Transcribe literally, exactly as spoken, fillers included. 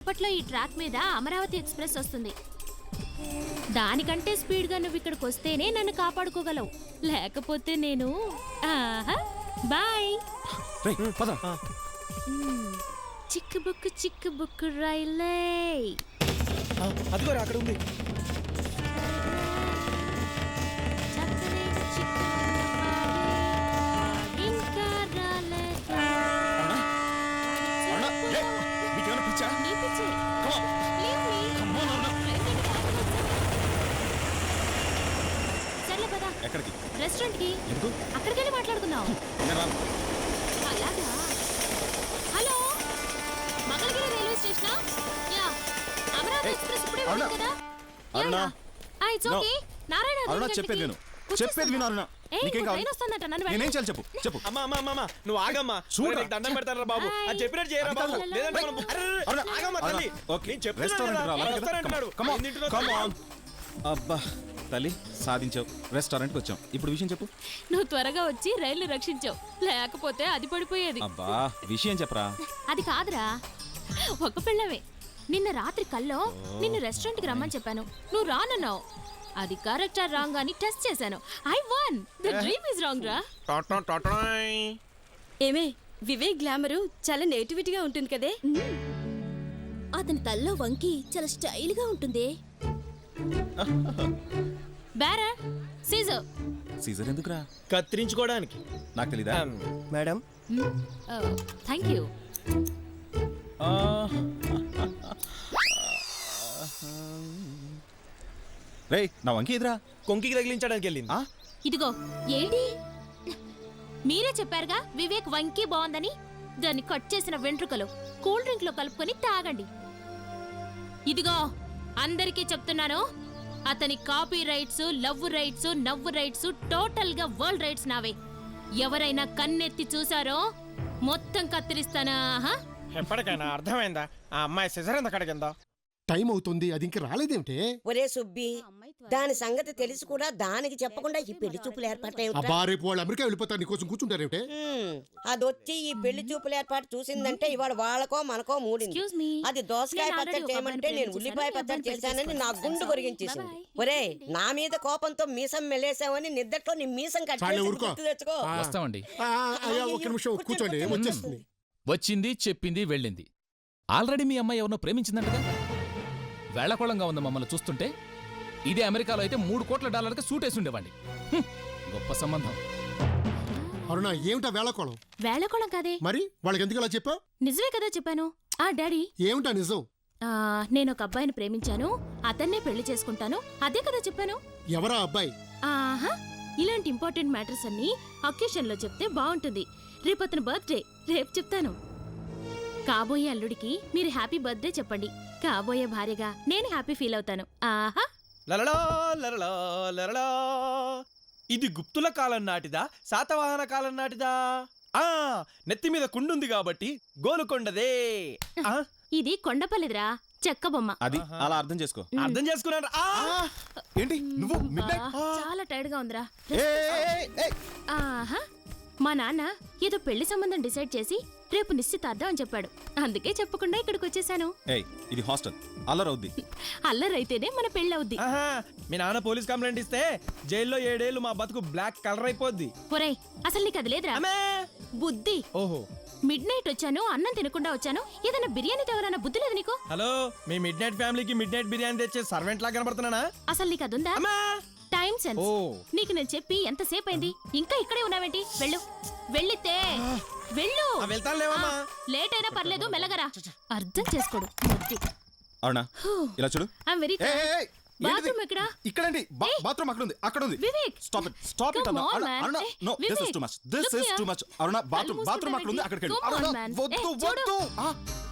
కొద్దిసేపట్లో ఈ ట్రాక్ మీద అమరావతి ఎక్స్ప్రెస్ వస్తుంది. దానికంటే స్పీడ్గా నువ్వు ఇక్కడికి వస్తేనే నన్ను కాపాడుకోగలవు, లేకపోతే నేను ఆహా బాయ్. చిక్కు బుక్కు చిక్కు బుక్కు రైలే. అదిగోరా అక్కడ ఉంది. ఎక్కడికి? రెస్టారెంట్ కి. అక్కడికి వెళ్ళి మాట్లాడుకుందాం. అలాగా. Hello, Mangalagiri railway station. Yeah, Amaravati express ఇప్పుడే వెళ్ళింది కదా. అరుణా, ఆ ఇట్స్ ఓకే. నారాయణ అరుణా చెప్పేది విను. చెప్పేది విను అరుణా. నీకేం కావాలి? నేనేం చేయాలి చెప్పు చెప్పు. అమ్మా అమ్మా అమ్మా నువ్వు ఆగమ్మా. చూడు నీకు దండం పెడతారా బాబు. అది చెప్పినట్టు చేయరా బాబు. లేదంటే మనం అరుణా ఆగమ్మా తల్లి. ఓకే రెస్టారెంట్ రావాలి. Come on come on. అబ్బా తల్లి సాధించావు. రెస్టారెంట్కి వచ్చాం. ఇప్పుడు విషయం చెప్పు. నువ్వు త్వరగా వచ్చి రైలు రక్షించావు, లేకపోతే అది పడిపోయేది. అబ్బా విషయం చెప్పరా. అది కాదురా, ఒక పిల్లవే. నిన్న రాత్రి కల్లో నిన్ను రెస్టారెంట్కి రమ్మని చెప్పాను, నువ్వు రానన్నావు. అది కరెక్టా రాంగ్ అని టెస్ట్ చేశాను. I won. The dream is wrong రా. ఏమే వివేక్ గ్లామరు చాలా నేటివిటీగా ఉంటుంది కదే. అతని తల్లో వంకి చాలా స్టైల్గా ఉంటుంది. Bearer Caesar. సీజర్ ఎందుకురా? కత్తిరించుకోవడానికి. నాకు తెలీదా మేడం? Thank you. రేయ్ నా వంకి ఎదురా. కొంకికి తగిలించడానికి వెళ్ళింది. ఇదిగో ఏంటి, మీరే చెప్పారుగా వివేక్ వంకి బాగుందని. దాన్ని కట్ చేసిన వెంట్రుకలు కూల్ డ్రింక్ లో కలుపుకొని తాగండి. ఇదిగో అందరికీ చెప్తున్నాను, అతని కాపీ రైట్స్, లవ్ రైట్స్, నవ్వు రైట్స్, టోటల్ గా వరల్డ్ రైట్స్ నావే. ఎవరైనా కన్నెత్తి చూసారో మొత్తం కత్తిరిస్తానా? ఎప్పటికైనా అర్థమైందా ఆ అమ్మాయి సిజర్ ఎంత కడిగిందో? టైం అవుతుంది, అది ఇంక రాలేదేమిటే? ఒరే సుబ్బి, దాని సంగతి తెలిసి కూడా దానికి చెప్పకుండా ఈ పెళ్లి చూపులు ఏర్పాటు. అబ్బా రేపు వాళ్ళు అమెరికా వెళ్ళిపోతారు, నీకోసం కూర్చుంటారేమిటే? అదొచ్చి ఈ పెళ్లి చూపులు ఏర్పాటు చూసిందంటే ఇవాళ వాళ్ళకో మనకో మూడింది. అది దోసకాయ పచ్చడి చేయమంటే నేను ఉల్లిపాయ పచ్చడి చేశానని నా గుండు కొరిగించేసింది. ఒరే నా మీద కోపంతో మీసం మెలేసావని నిద్దట్లో నీ మీసం కట్ తెచ్చుకో. వస్తామండి. ఒక నిమిషం కూర్చోండి, వచ్చేస్తుంది. వచ్చింది, చెప్పింది, వెళ్ళింది. ఆల్రెడీ మీ అమ్మాయి ఎవరినో ప్రేమించిందంటగా. వేళకోళంగా ఉంది మమ్మల్ని చూస్తుంటే. ఇదే అమెరికాలో అయితే మూడు కోట్ల డాలర్కి సూట్ వేసి ఉండేవాడి. గొప్ప సంబంధం. అరుణా ఏమిటా వేళకోళం? వేళకోళం కాదే. మరి వాళ్ళకి ఎందుకు అలా చెప్పావు? నిజమే కదా చెప్పాను. ఆ డాడీ ఏమిటా నిజం? నేను ఒక అబ్బాయిని ప్రేమించాను, అతన్నే పెళ్లి చేసుకుంటాను, అదే కదా చెప్పాను. ఎవరా అబ్బాయి? ఆహా, ఇలాంటి ఇంపార్టెంట్ మ్యాటర్స్ అన్ని అకేషన్ లో చెప్తే బాగుంటుంది. రేపు అతని బర్త్డే, రేపు చెప్తాను. కాబోయే అల్లుడికి మీరు హ్యాపీ బర్త్డే చెప్పండి. కాబోయే భార్యగా నేను హ్యాపీ ఫీల్ అవుతాను. ఆహా. లలలా లలలా లలలా. ఇది గుప్తుల కాలం నాటిదా, శాతవాహన కాలం నాటిదా? ఆ నెత్తి మీద కుండుంది కాబట్టి గోలుకొండదే. ఇది కొండపల్లిదిరా, చెక్క బొమ్మ. అది అలా అర్థం చేసుకో. అర్థం చేసుకున్నాను. ఏంటి నువ్వు? చాలా టైర్డ్ గా ఉందిరా. ఆహా, మా నాన్న ఏదో పెళ్లి సంబంధం డిసైడ్ చేసి రేపు నిశ్చితార్థం అని చెప్పాడు. అందుకే చెప్పకుండా ఇక్కడికి వచ్చేసాను. ఇది హాస్టల్, అల్లరవుద్ది. అల్లరైతేనే మన పెళ్లి అవుద్ది. మీ నాన్న పోలీస్ కంప్లైంట్ ఇస్తే జైల్లో ఏడేళ్లు మా బతుకు బ్లాక్ కలర్ అయిపోద్ది. ఒరేయ్ అసలు నీకు అది లేదురా బుద్ధి. ఓహో, మిడ్ నైట్ వచ్చాను, అన్నం తినకుండా వచ్చాను. ఏదైనా బిర్యానీ తేవాలన్న బుద్ధి లేదు నీకు? హలో, మీ మిడ్ నైట్ ఫ్యామిలీకి మిడ్ నైట్ బిర్యానీ తెచ్చే సర్వెంట్ లా కనబడుతున్నానా? అసలు నీకు అదుందా? Time sense. నీకు నేను చెప్పి ఎంతసేపు అయింది, ఇంకా ఇక్కడే ఉన్నావేంటి? వెళ్ళు, వెళ్ళితే వెళ్ళు. లేట్ అయినా పర్లేదు, మెల్లగరా. అర్థం చేసుకోడు. అవునా? ఇలా చూడు. ఐయామ్ వెరీ బాత్రూమ్ ఎక్కడ? ఇక్కడండి. బాత్రూమ్ అక్కడ ఉంది, అక్కడ ఉంది. Vivek stop it, stop it అన్న. Aruna no, this is too much, this is too much. Aruna bathroom bathroom అక్కడ ఉంది, అక్కడికి వెళ్ళు. అరుణ వద్దు వద్దు.